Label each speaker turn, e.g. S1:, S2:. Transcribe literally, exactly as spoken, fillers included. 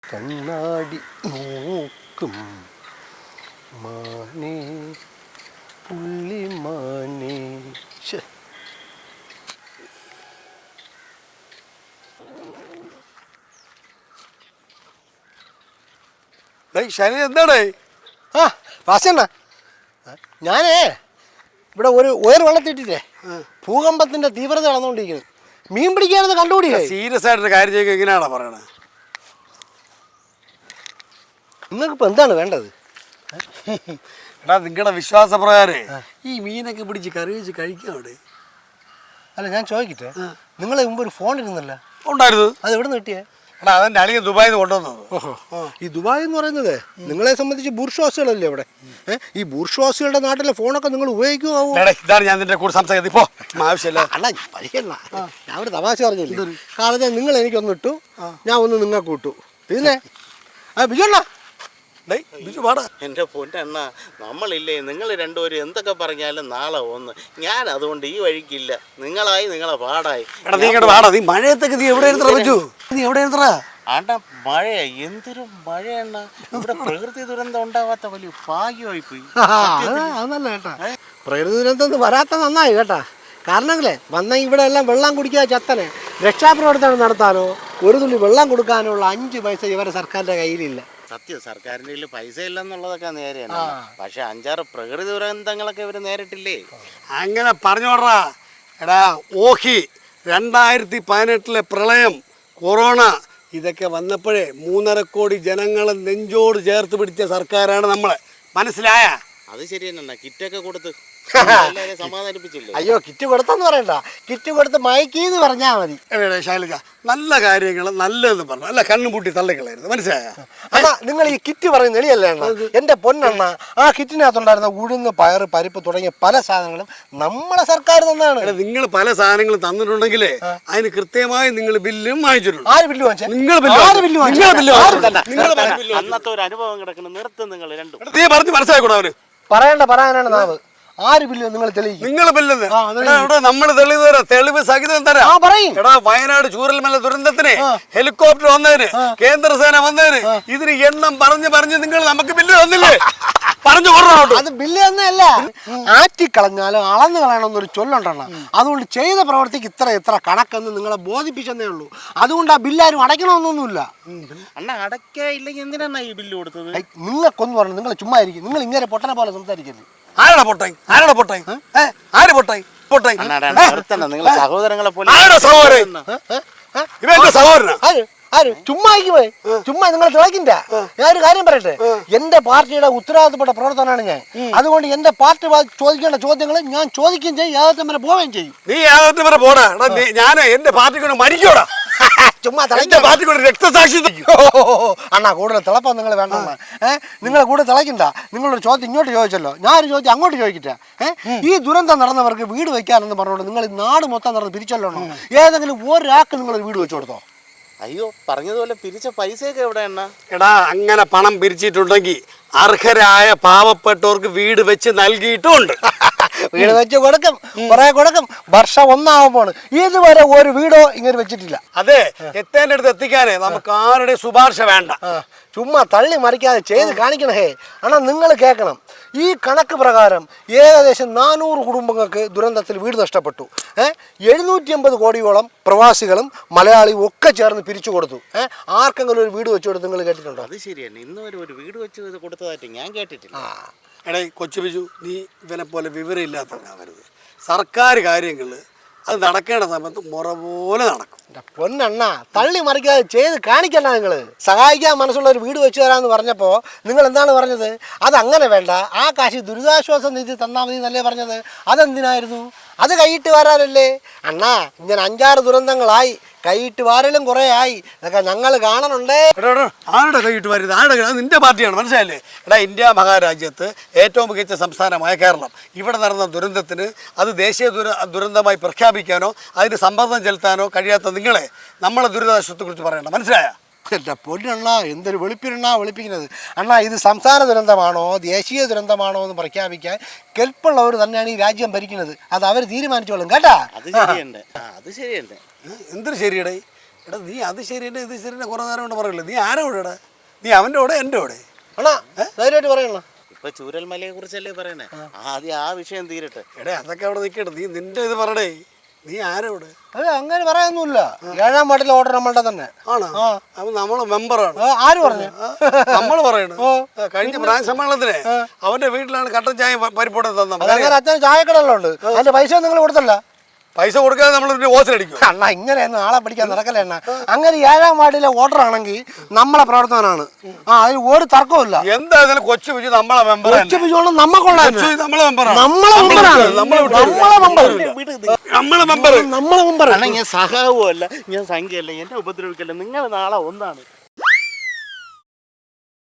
S1: കണ്ണാടി നോക്കും മാനേ പുള്ളി മാനേ.
S2: ശനി എന്താണേ?
S1: ആ വാസണ്ണ, ഞാനേ ഇവിടെ ഒരു ഉയർ വെള്ളത്തിട്ടിട്ടേ ഭൂകമ്പത്തിന്റെ തീവ്രത നടന്നുകൊണ്ടിരിക്കുന്നത്. മീൻ പിടിക്കാനെന്ന് കണ്ടുപിടി.
S2: സീരിയസ് ആയിട്ടൊരു കാര്യം ചെയ്യുക എങ്ങനെയാണോ പറയണത്?
S1: നിങ്ങൾക്കിപ്പോൾ എന്താണ് വേണ്ടത്?
S2: എടാ നിങ്ങളുടെ വിശ്വാസപ്രകാരേ ഈ മീനൊക്കെ പിടിച്ച് കറി വെച്ച് കഴിക്കാം അവിടെ.
S1: അല്ല ഞാൻ ചോദിക്കട്ടെ, നിങ്ങളെ മുമ്പ് ഒരു ഫോൺ ഇരുന്നല്ലോ,
S2: ഉണ്ടായിരുന്നു.
S1: അത് എവിടെ നിന്ന് കിട്ടിയേ?
S2: എടാ അതെൻ്റെ അളിയൻ ദുബായിൽ നിന്ന് കൊണ്ടുവന്നത്.
S1: ഈ ദുബായ് എന്ന് പറയുന്നത് നിങ്ങളെ സംബന്ധിച്ച് ബൂർഷ്വാസികളല്ലേ അവിടെ? ഈ ബൂർഷ്വാസികളുടെ നാട്ടിലെ ഫോണൊക്കെ നിങ്ങൾ ഉപയോഗിക്കുമോ?
S2: ഇതാണ് ഞാൻ നിന്റെ കൂടെ സംസാരിക്കുന്നത്. ഇപ്പോൾ ആവശ്യമില്ല.
S1: അല്ല പരിഹരണ, ഞാൻ ഒരു തമാശ പറഞ്ഞില്ലേ. കാരണം നിങ്ങൾ എനിക്കൊന്ന് ഇട്ടു, ഞാൻ ഒന്ന് നിങ്ങൾക്ക് ഇട്ടു. പിന്നെ ആ ബിജുണ്ണ
S3: എൻ്റെ പൊന്നെണ്ണ, നമ്മളില്ലേ നിങ്ങൾ രണ്ടുപേരും എന്തൊക്കെ പറഞ്ഞാലും നാളെ ഒന്ന്. ഞാൻ അതുകൊണ്ട് ഈ വഴിക്കില്ല. നിങ്ങളായി നിങ്ങളെ പാടായി.
S2: നീ മഴയത്തൊക്കെ നീ എവിടെ നീ എവിടെ
S3: ആണ്ടാ മഴയാ, എന്തൊരു മഴയെണ്ണ. ഇവിടെ പ്രകൃതി ദുരന്തം ഉണ്ടാവാത്ത വലിയ ഭാഗ്യമായി പോയി.
S1: അതല്ല കേട്ടാ, പ്രകൃതി ദുരന്തം വരാത്ത നന്നായി കേട്ടാ. കാരണമെങ്കിലേ വന്ന ഇവിടെ എല്ലാം വെള്ളം കുടിക്കാതെ ചത്തനെ രക്ഷാപ്രവർത്തനം നടത്താനോ ഒരു തുള്ളി വെള്ളം കൊടുക്കാനോ ഉള്ള അഞ്ച് പൈസ ഇവരെ സർക്കാരിന്റെ കയ്യിലില്ല.
S3: സത്യം, സർക്കാരിൻ്റെ കയ്യിൽ പൈസ ഇല്ലെന്നുള്ളതൊക്കെ നേരെയാണ്. പക്ഷെ അഞ്ചാറ് പ്രകൃതി ദുരന്തങ്ങളൊക്കെ ഇവർ നേരിട്ടില്ലേ.
S2: അങ്ങനെ പറഞ്ഞോടാ. എടാ ഓഹി രണ്ടായിരത്തി പതിനെട്ടിലെ പ്രളയം, കൊറോണ ഇതൊക്കെ വന്നപ്പോഴേ മൂന്നര കോടി ജനങ്ങളെ നെഞ്ചോട് ചേർത്ത് പിടിച്ച സർക്കാരാണ് നമ്മളെ. മനസ്സിലായ?
S3: അത് ശരി തന്നെ. കിറ്റൊക്കെ കൊടുത്ത് സമാധാനിപ്പിച്ചില്ലേ?
S1: അയ്യോ കിറ്റ് കൊടുത്തെന്ന് പറയണ്ട, കിറ്റ് കൊടുത്ത് മയക്കീന്ന് പറഞ്ഞാ മതി.
S2: ശൈലജ, നല്ല കാര്യങ്ങൾ നല്ലതെന്ന് പറഞ്ഞു, അല്ല കണ്ണും പൂട്ടി തള്ളിക്കളായിരുന്നു. മനസ്സിലായ?
S1: അണ്ണാ നിങ്ങൾ ഈ കിറ്റ് പറയുന്ന എളിയല്ലേ അണ്ണ? എന്റെ പൊന്നെണ്ണ, ആ കിറ്റിനകത്തുണ്ടായിരുന്ന ഉഴുന്ന് പയറ് പരിപ്പ് തുടങ്ങിയ പല സാധനങ്ങളും നമ്മളെ സർക്കാർ തന്നാണ്.
S2: നിങ്ങൾ പല സാധനങ്ങളും തന്നിട്ടുണ്ടെങ്കിലേ അതിന് കൃത്യമായി നിങ്ങൾ ബില്ലും വാങ്ങിച്ചിട്ടുണ്ട്.
S1: ആര് ബില്ല് വാങ്ങിച്ചു?
S2: നിങ്ങൾ
S3: അന്നത്തെ ഒരു അനുഭവം കിടക്കുന്നു. നിർത്തും നിങ്ങൾ രണ്ടും.
S2: നീ പറഞ്ഞ് മനസ്സിലാക്കൂടാ അവര്
S1: പറയണ്ട, പറയാനാണ് നാവ്. ആര് ബില്ല് നിങ്ങൾ തെളിയിക്കും?
S2: നിങ്ങൾ ബില്ലെന്ന് നമ്മൾ തെളിവ് തരാം, തെളിവ് സഹിതം തരാം. എടാ വയനാട് ചൂരൽമല ദുരന്തത്തിന് ഹെലികോപ്റ്റർ വന്നതിന്, കേന്ദ്രസേന വന്നതിന്, ഇതിന് എണ്ണം പറഞ്ഞ് പറഞ്ഞ് നിങ്ങൾ നമുക്ക് ബില്ല് തന്നില്ലേ? പറഞ്ഞു കൊടുക്കണം.
S1: അത് ബില്ല് തന്നെയല്ല, ആറ്റിക്കളഞ്ഞാലും അളന്നു കളയണമെന്നൊരു ചൊല്ലുണ്ടെണ്ണ. അതുകൊണ്ട് ചെയ്ത പ്രവർത്തിക്ക് ഇത്ര ഇത്ര കണക്കെന്ന് നിങ്ങളെ ബോധിപ്പിച്ചെന്നേ ഉള്ളൂ. അതുകൊണ്ട് ആ ബില്ലാരും അടയ്ക്കണമെന്നൊന്നുമില്ല.
S3: അണ്ണ അടയ്ക്കില്ലെങ്കിൽ എന്തിനാണ് ഈ ബില്ല് കൊടുത്തത്?
S1: നിങ്ങൾക്കൊന്ന് പറഞ്ഞു, നിങ്ങൾ ചുമ്മാ ഇരിക്കും. നിങ്ങൾ ഇങ്ങനെ പൊട്ടനെ പോലെ സംസാരിക്കരുത്.
S2: ആരാടാ പൊട്ടായി? ആരാടാ പൊട്ടായി? ആര് പൊട്ടായി? പൊട്ടായി
S3: നിങ്ങൾ സഹോദരങ്ങളെ പോലെ.
S2: സഹോദരൻ ഇവന്റെ സഹോദരനാ?
S1: ആര്? ചുമ്മാ പോയി ചുമ്മാ നിങ്ങൾ തിളക്കില്ല. ഞാൻ ഒരു കാര്യം പറയട്ടെ, എന്റെ പാർട്ടിയുടെ ഉത്തരവാദിത്തപ്പെട്ട പ്രവർത്തനമാണ് ഞാൻ. അതുകൊണ്ട് എന്റെ പാർട്ടി ചോദിക്കേണ്ട ചോദ്യങ്ങൾ ഞാൻ ചോദിക്കുകയും ചെയ്യും, യാതൊരു വരെ പോവുകയും ചെയ്യും.
S2: നീ യാതൊരു വരെ പോടാ. ഞാൻ എന്റെ പാർട്ടിക്ക് മരിക്കോടാ.
S1: ചുമ്മാ
S2: പാർട്ടിക്ക് രക്തസാക്ഷി.
S1: അണ്ണാ കൂടുതൽ തിളപ്പം നിങ്ങൾ വേണ്ട. ഏഹ് നിങ്ങൾ കൂടുതൽ തിളക്കണ്ട. നിങ്ങളൊരു ചോദ്യം ഇങ്ങോട്ട് ചോദിച്ചല്ലോ, ഞാനൊരു ചോദ്യം അങ്ങോട്ട് ചോദിക്കട്ടെ. ഏഹ് ഈ ദുരന്തം നടന്നവർക്ക് വീട് വെക്കാനെന്ന് പറഞ്ഞോണ്ട് നിങ്ങൾ നാട് മൊത്തം നടന്ന് പിരിച്ചല്ലോ. ഏതെങ്കിലും ഒരാൾക്ക് നിങ്ങളൊരു വീട് വെച്ചു കൊടുത്തോ?
S3: അയ്യോ, പറഞ്ഞതുപോലെ പിരിച്ച പൈസയൊക്കെ എവിടെ എണ്ണ?
S2: എടാ അങ്ങനെ പണം പിരിച്ചിട്ടുണ്ടെങ്കിൽ അർഹരായ പാവപ്പെട്ടവർക്ക് വീട് വെച്ച് നൽകിയിട്ടുമുണ്ട്.
S1: വീട് വെച്ച് കൊടുക്കും, കുറെ കൊടുക്കും. വർഷം ഒന്നാവുമ്പോൾ ഇതുവരെ ഒരു വീടോ ഇങ്ങനെ വെച്ചിട്ടില്ല.
S2: അതെ, എത്തേണ്ട അടുത്ത് എത്തിക്കാനേ നമുക്ക് ആരുടെ ശുപാർശ വേണ്ട.
S1: ചുമ്മാ തള്ളി മറിക്കാതെ ചെയ്ത് കാണിക്കണേ. അണ്ണാ നിങ്ങൾ കേൾക്കണം, ഈ കണക്ക് പ്രകാരം ഏകദേശം നാനൂറ് കുടുംബങ്ങൾക്ക് ദുരന്തത്തിൽ വീട് നഷ്ടപ്പെട്ടു. ഏഹ് എഴുന്നൂറ്റി അമ്പത് കോടിയോളം പ്രവാസികളും മലയാളിയും ഒക്കെ ചേർന്ന് പിരിച്ചു കൊടുത്തു. ഏഹ് ആർക്കെങ്കിലും ഒരു വീട് വെച്ചു കൊടുത്ത് നിങ്ങൾ കേട്ടിട്ടുണ്ടോ?
S3: അത് ശരിയാണ്, ഇന്ന് വരെ ഒരു വീട് വെച്ച് കൊടുത്തതായിട്ട് ഞാൻ കേട്ടിട്ടില്ല.
S2: എടേ കൊച്ചു ബിജു, നീ ഇവനെ പോലെ വിവരമില്ലാത്തവനാവരുത്. സർക്കാർ കാര്യങ്ങൾ അത് നടക്കേണ്ട സമയത്ത് മുറ പോലെ നടക്കും.
S1: പൊന്നണ്ണ തള്ളി മറിക്കാതെ ചെയ്ത് കാണിക്കണ്ട. നിങ്ങൾ സഹായിക്കാൻ മനസ്സുള്ള ഒരു വീട് വെച്ച് തരാമെന്ന് പറഞ്ഞപ്പോൾ നിങ്ങൾ എന്താണ് പറഞ്ഞത്? അതങ്ങനെ വേണ്ട, ആ കാശ് ദുരിതാശ്വാസ നിധി തന്നാൽ മതി എന്നല്ലേ പറഞ്ഞത്? അതെന്തിനായിരുന്നു? അത് കൈയിട്ട് വരാനല്ലേ? അണ്ണാ ഇങ്ങനെ അഞ്ചാറ് ദുരന്തങ്ങളായി, കൈയിട്ട് വാരലും കുറേ ആയി. ഇതൊക്കെ ഞങ്ങൾ കാണണുണ്ടേ.
S2: ആരുടെ കൈയിട്ട് വരരുത്? ആരുടെ? നിന്റെ പാർട്ടിയാണ്, മനസ്സിലായില്ലേ? എടാ ഇന്ത്യ മഹാരാജ്യത്ത് ഏറ്റവും മികച്ച സംസ്ഥാനമായ കേരളം, ഇവിടെ നടന്ന ദുരന്തത്തിന് അത് ദേശീയ ദുര ദുരന്തമായി പ്രഖ്യാപിക്കാനോ അതിന് സമ്മർദ്ദം ചെലുത്താനോ കഴിയാത്ത നിങ്ങളെ നമ്മളെ ദുരിതാശ്വാസത്തെക്കുറിച്ച് പറയണ്ട, മനസ്സിലായ?
S1: എൻ്റെ പൊന്നണ്ണ എന്തൊരു വെളുപ്പിനെണ്ണ വെളുപ്പിക്കുന്നത്. അണ്ണാ ഇത് സംസ്ഥാന ദുരന്തമാണോ ദേശീയ ദുരന്തമാണോ എന്ന് പ്രഖ്യാപിക്കാൻ കെൽപ്പുള്ളവർ തന്നെയാണ് ഈ രാജ്യം ഭരിക്കുന്നത്. അത് അവർ തീരുമാനിച്ചോളും കേട്ടാ.
S3: അത് ശരിയുണ്ട്, അത് ശരിയുണ്ട്.
S2: എന്തൊരു ശരിയടേ? എടാ നീ അത് ശരിയെന്നെ ഇത് ശരിയെന്നെ കുറേ നേരം കൊണ്ട് പറയില്ല. നീ ആരാ ഇവിടെ? നീ അവൻ്റെ കൂടെ എൻ്റെ കൂടെ?
S1: അണ്ണാ ധൈര്യമായിട്ട് പറയണ.
S3: ഇപ്പൊ ചൂരൽമലയെ കുറിച്ചല്ലേ പറയണേ, ആദ്യം ആ വിഷയം തീരട്ടെ.
S2: എടേ അതൊക്കെ അവിടെ നിൽക്കട്ടെ. നീ നിന്റെ ഇത് പറയടേ. നീ ആരാ ഇവിടെ?
S1: അതെ അങ്ങനെ പറയാനൊന്നുമില്ല. ഏഴാം വാർഡിലെ ഓർഡർ നമ്മളുടെ തന്നെ
S2: ആണോ? അപ്പൊ നമ്മളെ മെമ്പറാണ്.
S1: ആ, ആര് പറഞ്ഞു?
S2: നമ്മൾ പറയണു കഴിഞ്ഞ ബ്രാഞ്ച് സമ്മേളനത്തിന് അവന്റെ വീട്ടിലാണ് കട്ടൻ ചായ പരിപ്പോടെ തന്നെ.
S1: അതങ്ങനെ അച്ഛന് ചായക്കടയെല്ലാം ഉണ്ട്. അതിന്റെ പൈസ നിങ്ങൾ കൊടുത്തല്ല.
S2: പൈസ കൊടുക്കാതെ നമ്മൾ ഓസിലടിക്കും.
S1: അണ്ണ ഇങ്ങനെയൊന്നും ആളെ പിടിക്കാൻ നടക്കല്ലേ അണ്ണ. അങ്ങനെ ഏഴാം വാർഡിലെ ഓർഡർ ആണെങ്കിൽ നമ്മളെ പ്രവർത്തനമാണ്. ആ അതിൽ ഒരു തർക്കമില്ല.
S2: എന്തായാലും കൊച്ചു വിജി നമ്മളെ മെമ്പർ
S1: കൊച്ചു ബിജോളും നമ്മക്കുള്ള
S2: നമ്മളെ മെമ്പറാണ്.
S1: നമ്മളെ മെമ്പറാണ്. നമ്മളെ മെമ്പർ
S2: നമ്മളെ മെമ്പർ
S1: നമ്മളെ മെമ്പർ.
S3: ഞാൻ സഹാവുമല്ല, ഞാൻ സംഖ്യയല്ല, എന്നെ ഉപദ്രവിക്കല്ല. നിങ്ങൾ നാളെ ഒന്നാണ്.